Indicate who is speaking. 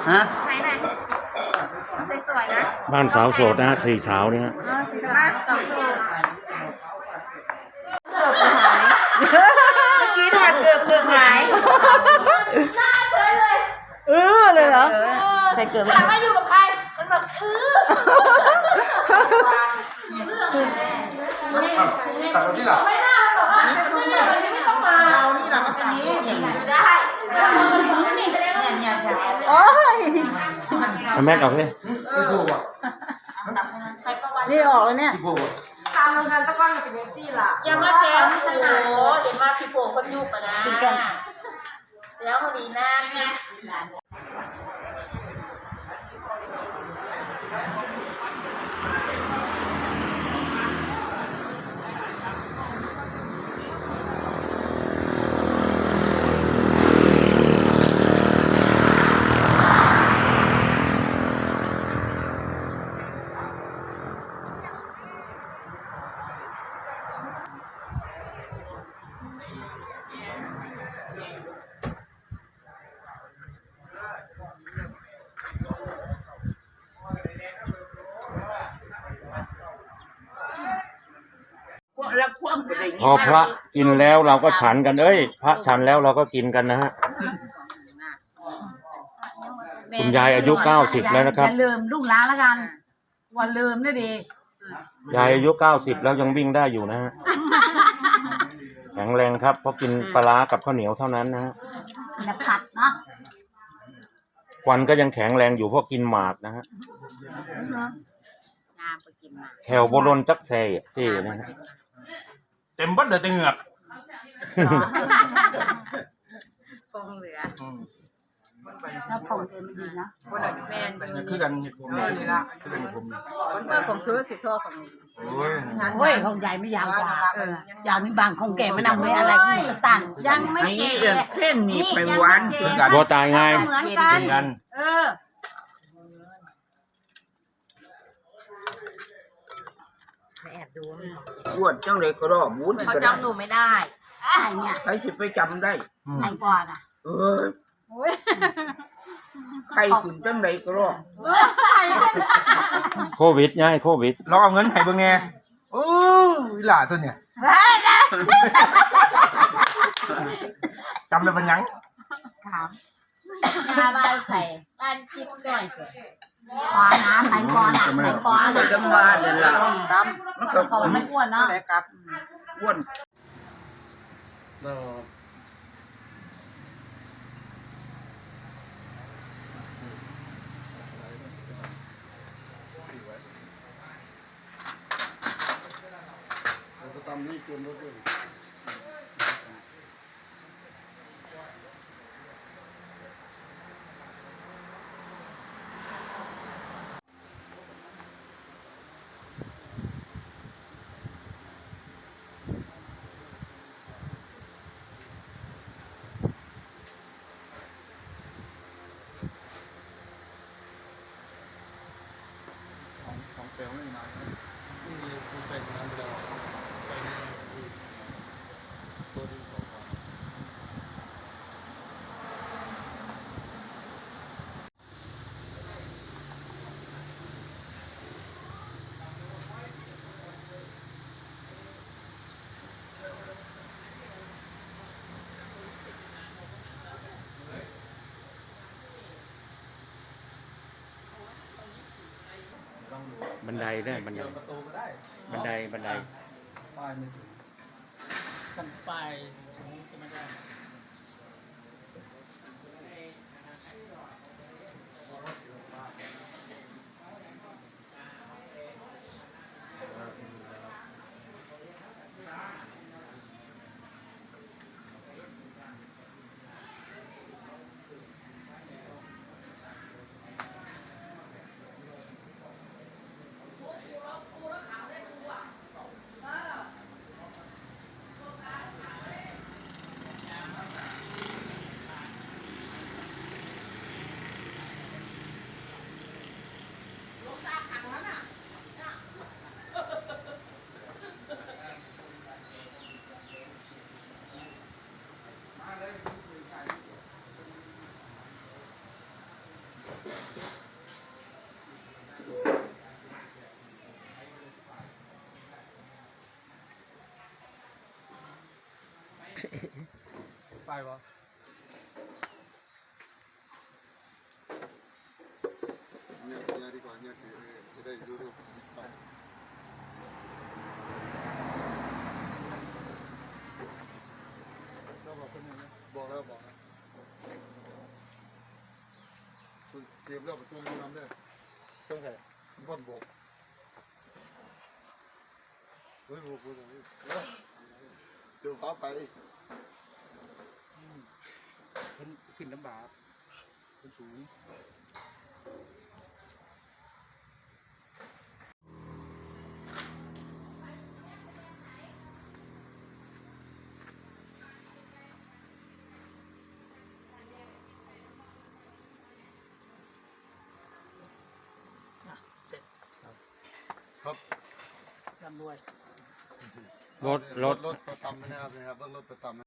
Speaker 1: ฮะ
Speaker 2: ไหนไหนสวยๆนะ
Speaker 3: บ้านสาวโสดนะฮะสี่สาวเนี่ยฮะ
Speaker 2: สีสาวโสดเกือบหายเมื่อกี้ทานเกือบหายเลยเหรอใส่เกือบถามว่าอยู่กับใครมันแบบ
Speaker 1: ตัดที่หลัง
Speaker 2: ไม่น่าบอกว่าไม่ต้องมาเรานี่หลังอันนี้ได้โอ้ย
Speaker 3: เอาแม็กออกเลย
Speaker 2: นี่ออกแล้วเนี่ย
Speaker 4: ทำโรงงานตะก้อนเป็นยังซี่ล่ะ
Speaker 2: อย่ามาแจ้งโอ้โหเดี๋ยวมาพี่โป่งคนยุบอ่ะนะแล้วดีนะ
Speaker 3: พอพระกินแล้วเราก็ฉันกันพระฉันแล้วเราก็กินกันนะฮะคุณยายอายุ90แล้วนะครับ
Speaker 4: อย่าลืมลูกหลานแล้วกันวันลืมได้ดี
Speaker 3: ยายอายุ90แล้วยังวิ่งได้อยู่นะฮะแข็งแรงครับเพราะกินปลาร้ากับข้าวเหนียวเท่านั้นนะฮะ
Speaker 4: อย่าผัดเนาะ
Speaker 3: ควันก็ยังแข็งแรงอยู่เพราะกินหมากนะฮะแถวโบรนจักแซ่นะฮะ
Speaker 1: เต็มบัดเลยเหงือก
Speaker 2: คงเหลือ
Speaker 4: แล้วผมเต็มดีนะ
Speaker 2: คนละแมน
Speaker 1: คือกันผมนี่ละคือกันผม
Speaker 2: เมื่อผมซื้อสิทธิ์ของ
Speaker 1: โ
Speaker 4: อ้ยของใหญ่ไม่ยาวกว่ายาวนี่บางของแก่ไม่นำไว้อะไรก็สั่นยังไม่แก่
Speaker 5: เพ่นนี่ไปหวาน
Speaker 3: บัวตายไง
Speaker 4: เหมือนกัน
Speaker 2: แอบดู
Speaker 5: อ้วนจังเลยก็รอบวุ้น
Speaker 2: เขาจำหนูไม่ได้
Speaker 4: ไอ้เนี่ย
Speaker 5: ใครจะไปจำได้
Speaker 4: ไอ้ก่อนอ่ะ
Speaker 5: ใครถึงจังเลยก็รอบ
Speaker 3: โควิดง่ายโควิด
Speaker 1: เราเอาเงินให้เบิ่งแง่วิลาตัวเนี่ยจำได้ปัญญัง
Speaker 4: ถาม
Speaker 2: หน้าบ้านใส่บ้านจิ๊บก่อน
Speaker 4: ปลาน้ำไข่ปลาไข่ปลา
Speaker 5: ก็จะมาเดี๋ยวละ
Speaker 4: มันก็เขาไม่อ้วนเนาะ
Speaker 5: ครับอ้วน
Speaker 6: ตามนี้เกินรถด้วยของเปลวไม่นานนี่คือใส่น้ำไปแล้วใส่ในตัวดินสอ
Speaker 3: บันไดได้บันไดป้ายไม่ถึง
Speaker 1: กันไฟจะไม่ได้ไปปะ
Speaker 6: เนี่ยดีกว่าเนี่ยคือจะได้ดูดูก็บอกคนนึงนะบอกแล้วคุณเตรียมแล้วไปส่งน้ำได้
Speaker 3: ช่วงไหน
Speaker 6: บ้านบอกเฮ้ยบอกเลยเดี๋ยวเขาไป
Speaker 1: ขึ้นลำบากขึ้นสูง
Speaker 4: เสร็จ
Speaker 6: ครับ
Speaker 4: ร่ำรวย
Speaker 3: รถ
Speaker 6: รถประจำนะครับรถประจำ